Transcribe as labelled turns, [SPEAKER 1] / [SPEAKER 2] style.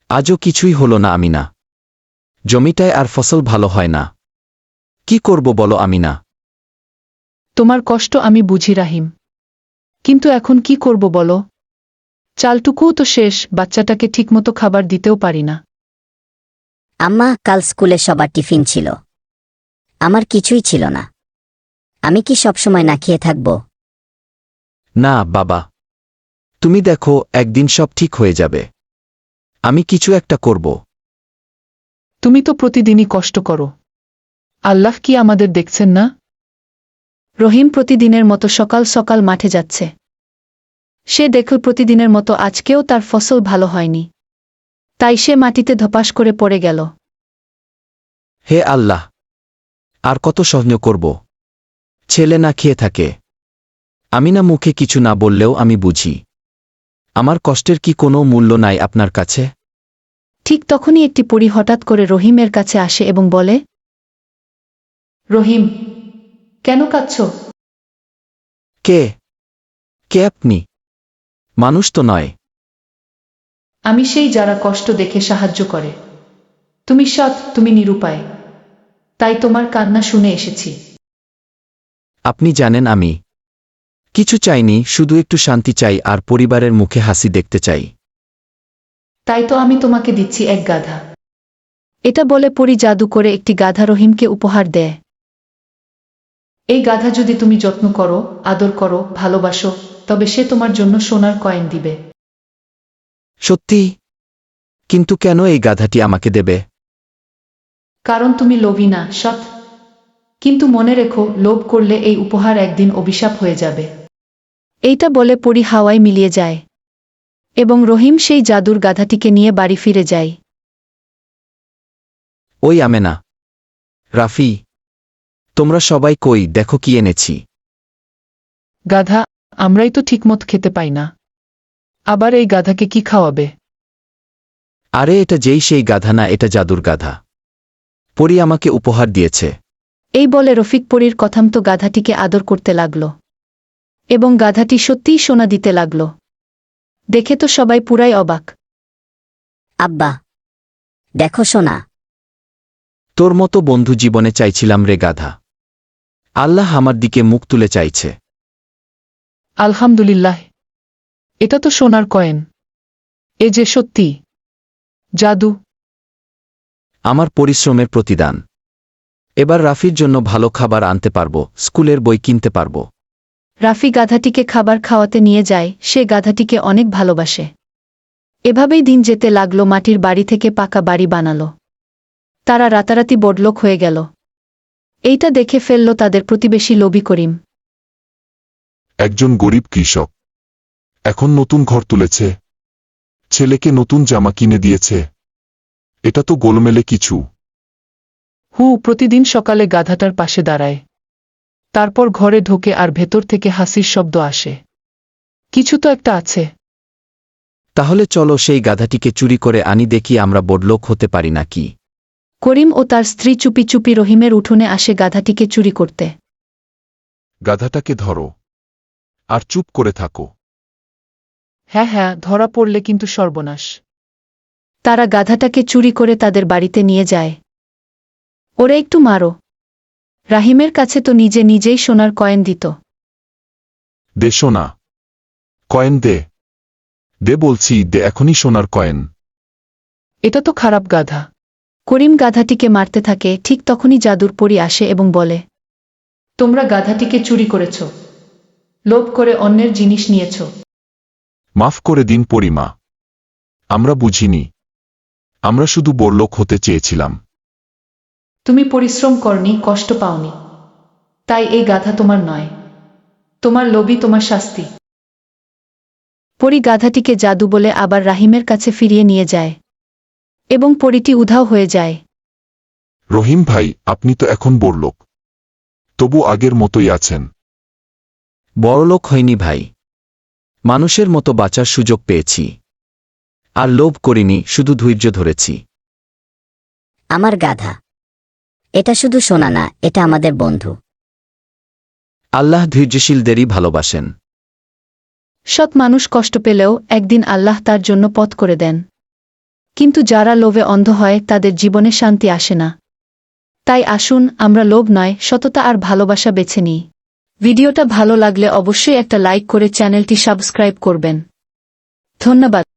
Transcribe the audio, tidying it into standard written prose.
[SPEAKER 1] আজও কিছুই হলো না আমিনা। জমিটায় আর ফসল ভালো হয় না। কি করব বলো আমিনা?
[SPEAKER 2] তোমার কষ্ট আমি বুঝি রাহিম, কিন্তু এখন কি করব বলো? চালটুকুও তো শেষ, বাচ্চাটাকে ঠিকমতো খাবার দিতেও পারি না।
[SPEAKER 3] আম্মা, কাল স্কুলে সবার টিফিন ছিল, আমার কিছুই ছিল না। আমি কি সবসময় না খেয়ে থাকব?
[SPEAKER 1] না বাবা, তুমি দেখো একদিন সব ঠিক হয়ে যাবে। আমি কিছু একটা করব।
[SPEAKER 2] তুমি তো প্রতিদিনই কষ্ট করো, আল্লাহ কি আমাদের দেখছেন না? রহিম প্রতিদিনের মতো সকাল সকাল মাঠে যাচ্ছে। সে দেখল প্রতিদিনের মতো আজকেও তার ফসল ভালো হয়নি, তাই সে মাটিতে ধপাস করে পড়ে গেল।
[SPEAKER 1] হে আল্লাহ, আর কত সহ্য করব? ছেলে না খেয়ে থাকে। আমিনা মুখে কিছু না বললেও আমি বুঝি, আমার কষ্টের কি কোনো মূল্য নাই আপনার কাছে?
[SPEAKER 2] ঠিক তখনই একটি পরী হঠাৎ করে রহিমের কাছে আসে এবং বলে, রহিম, কেন কাঁদছ?
[SPEAKER 1] কে? কে আপনি? মানুষ তো নয়।
[SPEAKER 2] আমি সেই যারা কষ্ট দেখে সাহায্য করে। তুমি সৎ, তুমি নিরুপায়, তাই তোমার কান্না শুনে এসেছি।
[SPEAKER 1] আপনি জানেন আমি কিছু চাইনি, শুধু একটু শান্তি চাই আর পরিবারের মুখে হাসি দেখতে চাই।
[SPEAKER 2] তাই তো আমি তোমাকে দিচ্ছি এক গাধা। এটা বলে পরী জাদু করে একটি গাধা রহিমকে উপহার দেয়। এই গাধা যদি তুমি যত্ন করো, আদর করো, ভালোবাসো, তবে সে তোমার জন্য সোনার কয়েন দিবে।
[SPEAKER 1] সত্যি? কিন্তু কেন এই গাধাটি আমাকে দেবে?
[SPEAKER 2] কারণ তুমি লোভী না, সৎ। কিন্তু মনে রেখো, লোভ করলে এই উপহার একদিন অভিশাপ হয়ে যাবে। এইটা বলে পরী হাওয়ায় মিলিয়ে যায় এবং রহিম সেই জাদুর গাধাটিকে নিয়ে বাড়ি ফিরে যায়।
[SPEAKER 1] ওই আমেনা, রাফি, তোমরা সবাই কই, দেখো কি এনেছি।
[SPEAKER 2] গাধা, আমরাই তো ঠিকমত খেতে পাই না, আবার এই গাধাকে কি খাওয়াবে?
[SPEAKER 1] আরে এটা যেই সেই গাধা না, এটা জাদুর গাধা। পরী আমাকে উপহার দিয়েছে।
[SPEAKER 2] এই বলে রফিক পরীর কথামতো গাধাটিকে আদর করতে লাগল এবং গাধাটি সত্যিই সোনা দিতে লাগল। দেখে তো সবাই পুরাই অবাক।
[SPEAKER 3] আব্বা, দেখো সোনা।
[SPEAKER 1] তোর মতো বন্ধু জীবনে চাইছিলাম রে গাধা। আল্লাহ আমার দিকে মুখ তুলে চাইছে।
[SPEAKER 2] আলহামদুলিল্লাহ, এটা তো সোনার কয়েন। এ যে সত্যি জাদু।
[SPEAKER 1] আমার পরিশ্রমের প্রতিদান। এবার রাফির জন্য ভালো খাবার আনতে পারবো, স্কুলের বই কিনতে পারবো।
[SPEAKER 2] রাফি গাধাটিকে খাবার খাওয়াতে নিয়ে যায়, সে গাধাটিকে অনেক ভালোবাসে। এভাবেই দিন যেতে লাগলো, মাটির বাড়ি থেকে পাকা বাড়ি বানালো। তারা রাতারাতি বড়লোক হয়ে গেল। এইটা দেখে ফেলল তাদের প্রতিবেশী লোভী করিম।
[SPEAKER 4] একজন গরিব কৃষক এখন নতুন ঘর তুলেছে, ছেলেকে নতুন জামা কিনে দিয়েছে। এটা তো গোলমেলে কিছু।
[SPEAKER 2] প্রতিদিন সকালে গাধাটার পাশে দাঁড়ায়, তারপর ঘরে ঢোকে আর ভেতর থেকে হাসির শব্দ আসে। কিছু তো একটা আছে।
[SPEAKER 1] তাহলে চলো সেই গাধাটিকে চুরি করে আনি, দেখি আমরা বড়লোক হতে পারি নাকি।
[SPEAKER 2] করিম ও তার স্ত্রী চুপি চুপি রহিমের উঠোনে আসে গাধাটিকে চুরি করতে।
[SPEAKER 4] গাধাটাকে ধরো আর চুপ করে থাকো।
[SPEAKER 2] হ্যাঁ হ্যাঁ, ধরা পড়লে কিন্তু সর্বনাশ। তারা গাধাটাকে চুরি করে তাদের বাড়িতে নিয়ে যায়। ওরা একটু মারো। রাহিমের কাছে তো নিজে নিজেই সোনার কয়েন দিত।
[SPEAKER 4] দে সোনা কয়েন, দে দে বলছি, দে এখনই সোনার কয়েন।
[SPEAKER 2] এটা তো খারাপ গাধা। করিম গাধাটিকে মারতে থাকে, ঠিক তখনই জাদুর পরী আসে এবং বলে, তোমরা গাধাটিকে চুরি করেছ, লোভ করে অন্যের জিনিস নিয়েছ।
[SPEAKER 4] মাফ করে দিন পরিমা, আমরা বুঝিনি, আমরা শুধু বড়লোক হতে চেয়েছিলাম।
[SPEAKER 2] তুমি পরিশ্রম করনি, কষ্ট পাওনি, তাই এই গাধা তোমার নয়। তোমার লোভই তোমার শাস্তি। পরী গাধাটিকে জাদু বলে আবার রাহিমের কাছে ফিরিয়ে নিয়ে যায় এবং পরীটি উধাও হয়ে যায়।
[SPEAKER 4] রহিম ভাই, আপনি তো এখন বড়লোক, তবু আগের মতোই আছেন।
[SPEAKER 1] বড়লোক হয়নি ভাই, মানুষের মতো বাঁচার সুযোগ পেয়েছি। আর লোভ করিনি, শুধু ধৈর্য ধরেছি।
[SPEAKER 3] আমার গাধা, এটা শুধু সোনা না, এটা আমাদের বন্ধু।
[SPEAKER 1] আল্লাহ ধৈর্যশীলদেরই ভালোবাসেন।
[SPEAKER 2] সৎ মানুষ কষ্ট পেলেও একদিন আল্লাহ তার জন্য পথ করে দেন। কিন্তু যারা লোভে অন্ধ হয় তাদের জীবনে শান্তি আসে না। তাই আসুন আমরা লোভ নয়, সততা আর ভালোবাসা বেছে নিই। ভিডিওটা ভালো লাগলে অবশ্যই একটা লাইক করে চ্যানেলটি সাবস্ক্রাইব করবেন। ধন্যবাদ।